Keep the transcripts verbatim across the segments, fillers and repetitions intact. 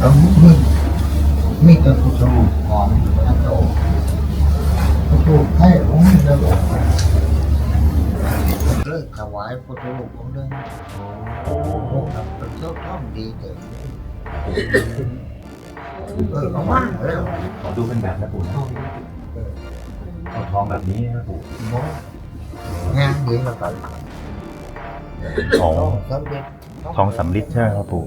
แล้วมึงมีแต่ผู้สูงของพระโตผู้สูงให้องค์เดียวเลิกถวายผู้สูงองค์หนึ่งโอ้โหเป็นเจ้าท่อมดีเกิดเออเอามาแล้วขอดูเป็นแบบนะปู่นะเอาทองแบบนี้นะปู่งานดีแล้วกันอ๋อสำเร็จทองสำริดใช่ไหมครับปู่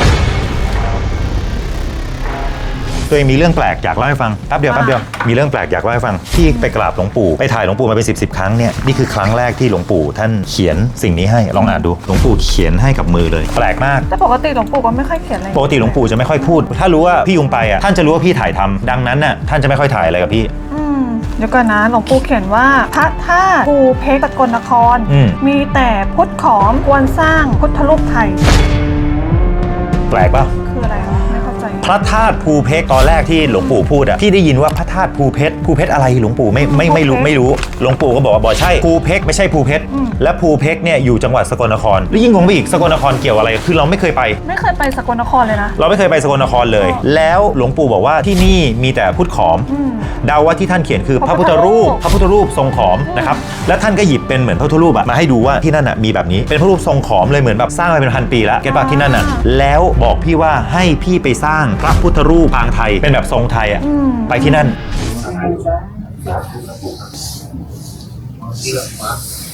ตัวเองมีเรื่องแปลกอยากเล่าให้ฟังแป๊บเดียวแป๊บเดียวมีเรื่องแปลกอยากเล่าให้ฟังที่ไปกราบหลวงปู่ไปถ่ายหลวงปู่มาเป็นสิบสิบครั้งเนี่ยนี่คือครั้งแรกที่หลวงปู่ท่านเขียนสิ่งนี้ให้ลองอ่านดูหลวงปู่เขียนให้กับมือเลยแปลกมากแต่ปกติหลวงปู่ก็ไม่ค่อยเขียนอะไรปกติหลวงปู่จะไม่ค่อยพูดถ้ารู้ว่าพี่ยุงไปอ่ะท่านจะรู้ว่าพี่ถ่ายทำดังนั้นน่ะท่านจะไม่ค่อยถ่ายอะไรกับพี่อืมเดี๋ยวก่อนนะหลวงปู่เขียนว่าพระธาตุภูเพกสกลนครอืมมีแต่พุทธขอมควรสร้างพุทธรูปไทยแปลกป่ะคืออะไรวะไม่เข้าใจพระธาตุภูเพกตอนแรกที่หลวงปู่พูดอะพี่ได้ยินว่าพระธาตุภูเพชรภูเพชรอะไรหลวงปู่ไม่ไม่ไม่รู้ไม่รู้หลวงปู่ก็บอกว่าบอกใช่ภูเพกไม่ใช่ภูเพชรและภูเพกเนี่ยอยู่จังหวัดสกลนครแล้วยิ่งงงไปอีกสกลนครเกี่ยวอะไรคือเราไม่เคยไปไม่เคยไปสกลนครเลยนะเราไม่เคยไปสกลนครเลย แล้วหลวงปู่บอกว่าที่นี่มีแต่พุทธขอมเดาว่าที่ท่านเขียนคือพระพุทธรูปพระพุทธรูปทรงขอมนะครับและท่านก็หยิบเป็นเหมือนพระพุทธรูปอะมาให้ดูว่าที่นั่นอะมีแบบนี้เป็นพระรูปทรงขอมเลยเหมือนแบบสร้างมาเป็นพันปีแล้วเก็ตป่ะที่นั่นอะแล้วบอกพี่ว่าให้พี่ไปสร้างพระพุทธรูปปางไทยเป็นแบบทรงไทยอะไปที่นั่นเชื่อมา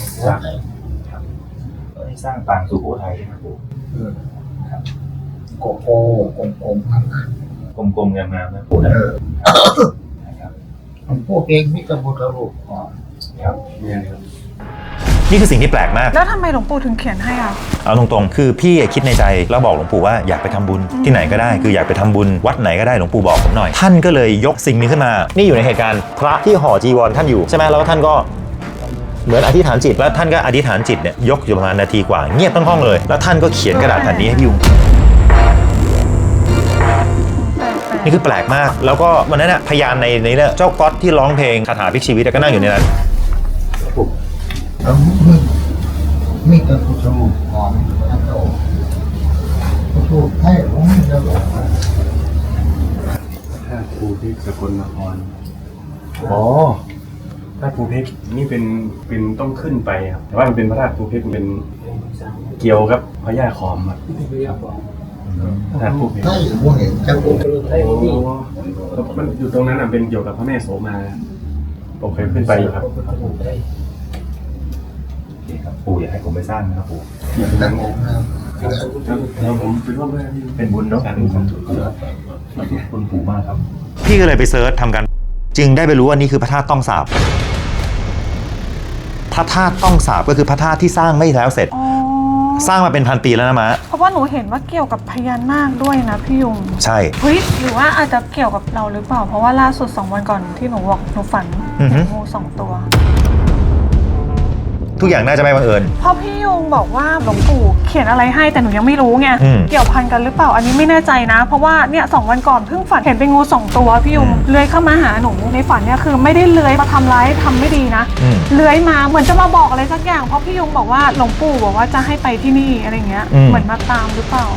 ให้สร้างปางสุโขทัยครับปู่โกโก้กงกงทำงานกลมๆงามๆนะปู่นะผมพูดเองมิตรบุตรลูกของครับเนี่ยครับนี่คือสิ่งที่แปลกมากแล้วทำไมหลวงปู่ถึงเขียนให้อ่ะเอาตรงๆคือพี่คิดในใจแล้วบอกหลวงปู่ว่าอยากไปทำบุญที่ไหนก็ได้คืออยากไปทำบุญวัดไหนก็ได้หลวงปู่บอกผมหน่อยท่านก็เลยยกสิ่งนี้ขึ้นมานี่อยู่ในเหตุการณ์พระที่ห่อจีวรท่านอยู่ใช่ไหมแล้วท่านก็เหมือนอธิษฐานจิตแล้วท่านก็อธิษฐานจิตเนี่ยยกอยู่ประมาณนาทีกว่าเงียบทั้งห้องเลยแล้วท่านก็เขียนกระดาษแผ่นนี้ให้พี่ยุงนี่คือแปลกมากแล้วก็วันนั้นน่ะพยานในในเจ้าก๊อตที่ร้องเพลงคาถาพลิกชีวิตก็นั่งอยู่ในนั้นแล้วมึงมีแต่ผู้สูงของพระโตผู้สูงให้องค์เดียวถ้าภูเพชรสกลนครอ๋อถ้าภูเพชรนี่เป็นเป็นต้องขึ้นไปครับแต่ว่ามันเป็นพระธาตุภูเพชรมันเป็นเกี่ยวกับพญาขอมครับพระธาตุภูเพชรให้ผมเห็นเจ้าองค์โอ้มันอยู่ตรงนั้นอ่ะเป็นเกี่ยวกับพระแม่โสมาผมเคยขึ้นไปอยู่ครับปู่อยากให้ผมไปสร้างนะครับปู่ตั้งองค์นะแล้วผมไปร่วมด้วยที่เป็นบุญเนาะคุณปู่มากครับพี่ก็เลยไปเซิร์ชทำกันจึงได้ไปรู้ว่านี่คือพระธาตุต้องสาบพระธาตุต้องสาบก็คือพระธาตุที่สร้างไม่แล้วเสร็จสร้างมาเป็นพันปีแล้วนะมะเพราะว่าหนูเห็นว่าเกี่ยวกับพญานาคด้วยนะพี่ยุงใช่เฮ้ยหรือว่าอาจจะเกี่ยวกับเราหรือเปล่าเพราะว่าล่าสุดสองวันก่อนที่หนูบอกหนูฝันเห็นงูสองตัวทุกอย่างน่าจะไม่บังเอิญเพราะพี่ยุงบอกว่าหลวงปู่เขียนอะไรให้แต่หนูยังไม่รู้ไงอืมเกี่ยวพันกันหรือเปล่าอันนี้ไม่แน่ใจนะ เพราะว่าเนี่ยสองวันก่อนเพิ่งฝันเห็นเป็นงูสองตัวพี่ยุงอืมเลื้อยเข้ามาหาหนูในฝันเนี่ยคือไม่ได้เลื้อยมาทำร้ายทำไม่ดีนะอืมเลื้อยมาเหมือนจะมาบอกอะไรสักอย่างเพราะพี่ยุงบอกว่าหลวงปู่บอกว่าจะให้ไปที่นี่อะไรเงี้ยอืมเหมือนมาตามหรือเปล่า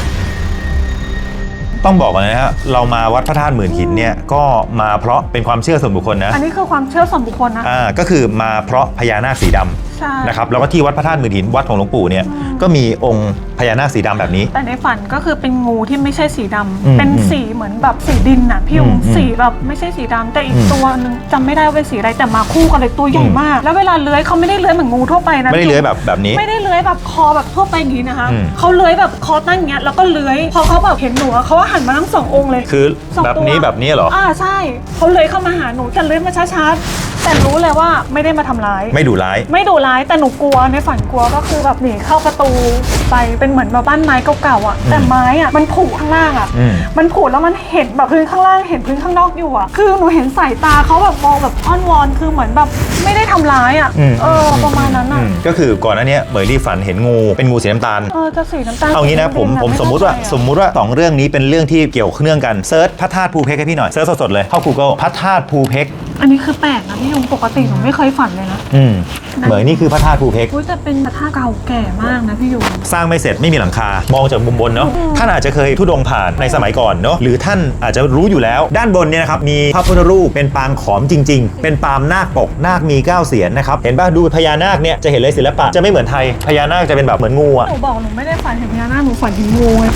ต้องบอกก่อนนะฮะเรามาวัดพระธาตุหมื่นหินเนี่ยก็มาเพราะเป็นความเชื่อส่วนบุคคลนะอันนี้คือความเชื่อส่วนบุคคลนะอ่าก็คือมาเพราะพญานาคสีดำใช่นะครับแล้วก็ที่วัดพระธาตุหมื่นหินวัดของหลวงปู่เนี่ยก็มีองค์พญานาคสีดำแบบนี้แต่ในฝันก็คือเป็นงูที่ไม่ใช่สีดำอืมเป็นสีเหมือนแบบสีดินน่ะพี่ยุงอืมสีแบบไม่ใช่สีดำแต่อีกอืมตัวนึงจำไม่ได้ว่าเป็นสีอะไรแต่มาคู่กันเลยตัวใหญ่อืมมาก แล้วเวลาเลื้อยเขาไม่ได้เลื้อยเหมือนงูทั่วไปนะไม่ได้เลื้อยแบบแบบนี้ไม่ได้เลื้อยแบบคอแบบทั่วไปอย่างนี้นะคะอืมเขาเลื้อยแบบคอตั้งอย่างเงี้ยแล้วก็เลื้อยพอเขาแบบเห็นหนูอะเขาว่าหันมาทั้งสององค์เลยคือสองแบบตัวนี้แบบนี้เหรออ่าใช่เขาเลื้อยเข้ามาหาหนูแต่เลื้อยมาช้าๆแต่รู้เลยว่าไม่ได้มาทำร้ายไม่ดุร้ายไม่ดุร้ายแต่หนูกลัวในฝันกลัวก็คือแบบหนีเข้าประตูไปเป็นเหมือนแบบบ้านไม้เก่าๆอ่ะแต่ไม้อ่ะมันผุข้างล่างอ่ะอืมมันผุแล้วมันเห็นแบบพื้นข้างล่างเห็นพื้นข้างนอกอยู่อ่ะคือหนูเห็นสายตาเขาแบบมองแบบอ้อนวอนคือเหมือนแบบไม่ได้ทำร้ายอ่ะอืมเออประมาณนั้นอ่ะอืมก็คือก่อนหน้านี้เหมยลี่ฝันเห็นงูเป็นงูสีน้ำตาลเออจะสีน้ำตาลเอางี้นะผมผมสมมุติว่าสมมุติว่าสองเรื่องนี้เป็นเรื่องที่เกี่ยวเนื่องกันเซิร์ชพระธาตุภูเพกให้พี่หน่อยเซิร์ชสดๆเลยเข้า Google พระธาตุภูเพกอันนี้คือแปลกนะพี่ยุงปกติหนูไม่เคยฝันเลยนะอืมเหมือนนี่คือพระธาตุภูเพกอุ้ยแต่เป็นพระธาตุเก่าแก่มากนะพี่ยุงสร้างไม่เสร็จไม่มีหลังคามองจากมุมบนเนาะท่านอาจจะเคยทุดงผ่านในสมัยก่อนเนาะหรือท่านอาจจะรู้อยู่แล้วด้านบนเนี่ยนะครับมีพระพุทธรูปเป็นปางขอมจริงๆเป็นปางนาคปกนาคมีเก้าเสียนนะครับเห็นป่ะดูพญานาคเนี่ยจะเห็นเลยศิลปะจะไม่เหมือนไทยพญานาคจะเป็นแบบเหมือนงูอะหนูบอกหนูไม่ได้ฝันเห็นพญานาคหนูฝันเห็นงูไง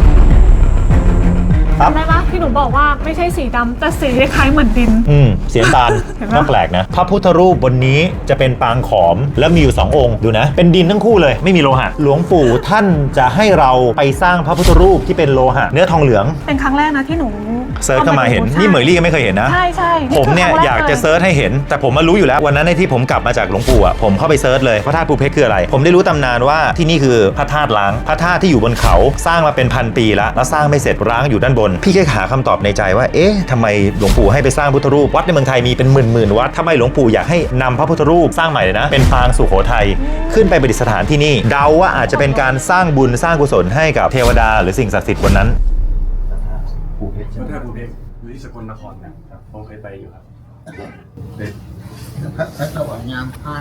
ครับจำได้ปะที่หนูบอกว่าไม่ใช่สีดำแต่สีคล้ายๆเหมือนดินอืมเสียงตาลเห็นปะน่าแปลกนะพระพุทธรูปบนนี้จะเป็นปางขอมแล้วมีอยู่สององค์ดูนะเป็นดินทั้งคู่เลยไม่มีโลหะหลวงปู่ท่านจะให้เราไปสร้างพระพุทธรูปที่เป็นโลหะเนื้อทองเหลืองเป็นครั้งแรกนะที่หนูเซิร์ชเข้ามาเห็นใช่นี่เหมยลี่ก็ไม่เคยเห็นนะใช่ใช่ผมเนี่ยคืครั้งแรอยากจะลเซิร์ชให้เห็น แต่ผมมารู้อยู่แล้ววันนั้นในที่ผมกลับมาจากหลวงปู่อ่ะผมเข้าไปเซิร์ชเลยพระธาตุภูเพกคืออะไร ผมได้รู้ตำนานว่าที่นี่คือพระธาตุล้างพระธาตุที่อยู่บนเขาสร้างมาเป็นพันปีแล้วแล้วสร้างไม่เสร็จร้างอยู่ด้านบน พี่ก็หาคำตอบในใจว่าเอ๊ะทำไมหลวงปู่ให้ไปสร้างพุทธรูปวัดในเมืองไทยมีเป็นหมื่นหมื่นวัดทำไมหลวงปู่อยากให้นำพระพุทธรูปสร้างใหม่เลยนะเป็นปางสุโขทัยขึ้นไปประดิษฐานที่นี่เดาว่าอาจจะเป็นการสร้างบุญสร้างกุศลให้กับเทวดาหรือสิ่งศักดิ์สิทธิ์บนนั้นภูเพชรพระธาตุภูเพชรอยู่ที่สกลนครนะครับผมเคยไปอยู่ครับเด็กพระพระเจ้าว่ายามพาน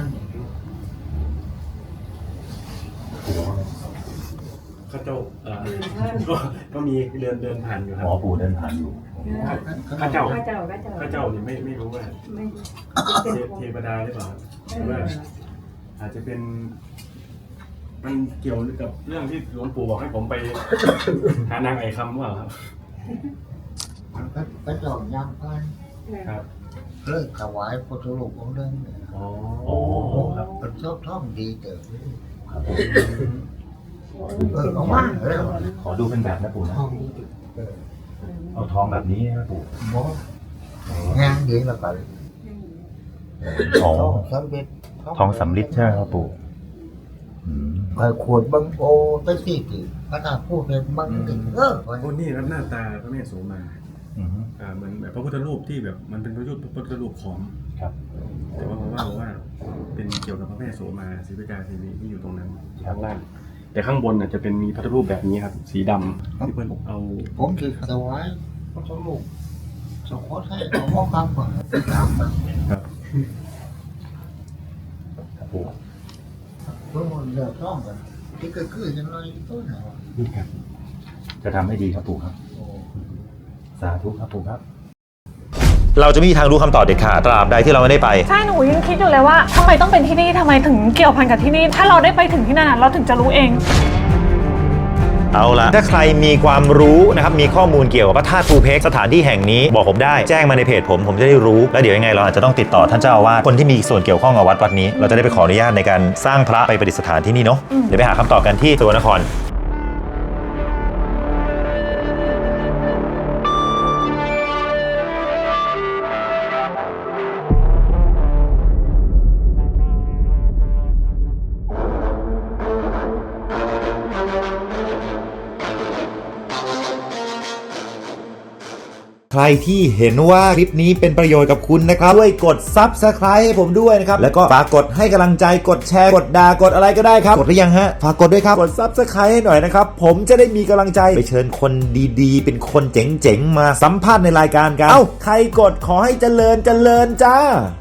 ข้าเจ้าเอ่อก็ก็มีเดินเดินผ่านอยู่คหรับมอปู่เดินผ่านอยู่ข้าเจ้าข้าเจ้าข้าเจ้าข้าเจ้านี่ไม่ไม่รู้ว่าไม่เทเทวดาหรือเปล่าหรือว่าอาจจะเป็น มันเกี่ยวกับเรื่องที่หลวงปู่บอกให้ผมไป หานางไอคำว่าครับพระพระเจ้ายามพานครับเลิกถวายพุทธรูปองค์เดิมเนี่ยอ๋อโอ้ครับเป็นชอบท่องดีเกิดเออเอามาเออขอดูเป็นแบบนะปู่นะท่องเออเอาทองแบบนี้นะปู่หมอ งานดีแล้วก็อ๋อท่องสำเร็จทองสำริดใช่ไหมครับปู่อืมไปขวดบังโอไปสี่กี่พระธาตุพูดเป็นบังติเออโอ้นี่ครับหน้าตาพระแม่โสมาอืมอ่าเหมือนแบบพระพุทธรูปที่แบบมันเป็นพระพุทธพระพุทธรูปขอมครับแต่ว่าเพราะว่าเพราะว่าเป็นเกี่ยวกับพระแม่โสมาศรีวิกาเทวีที่อยู่ตรงนั้นข้างล่าง แต่ข้างบนน่ะจะเป็นมีพระพุทธรูปแบบนี้ครับ สีดำที่เพื่อนเอาผมคือถวายพระรูปสงฆ์ให้ของพ่อคำก่อนถามมันครับครับปู่เพื่อมันเดือดร้อนกันที่ก็คือยังไงต้นเหรอครับจะทำให้ดีครับปู่ครับโอ้สาธุครับปู่ครับ เราจะไม่มีทางรู้คำตอบเด็ดขาดตราบใดที่เราไม่ได้ไปใช่หนูยังคิดอยู่เลยว่าทำไมต้องเป็นที่นี่ทำไมถึงเกี่ยวพันกับที่นี่ถ้าเราได้ไปถึงที่นั่นอะเราถึงจะรู้เองเอาละถ้าใครมีความรู้นะครับมีข้อมูลเกี่ยวกับพระธาตุภูเพกสถานที่แห่งนี้บอกผมได้แจ้งมาในเพจผมผมจะได้รู้แล้วเดี๋ยวยังไงเราอาจจะต้องติดต่อท่านเจ้าอาวาสคนที่มีส่วนเกี่ยวข้องกับวัดวัดนี้เราจะได้ไปขออนุญาตในการสร้างพระไปประดิษฐานที่นี่เนาะเดี๋ยวไปหาคำตอบกันที่สกลนคร ใครที่เห็นว่าคลิปนี้เป็นประโยชน์กับคุณนะครับช่วยกด ซับสไครบ์ ให้ผมด้วยนะครับแล้วก็ฝากกดให้กำลังใจกดแชร์กดด่ากดอะไรก็ได้ครับกดหรือยังฮะฝากกดด้วยครับกด ซับสไครบ์ ให้หน่อยนะครับผมจะได้มีกำลังใจไปเชิญคนดีๆ เป็นคนเจ๋งๆมาสัมภาษณ์ในรายการกันเอ้าใครกดขอให้เจริญเจริญจ้า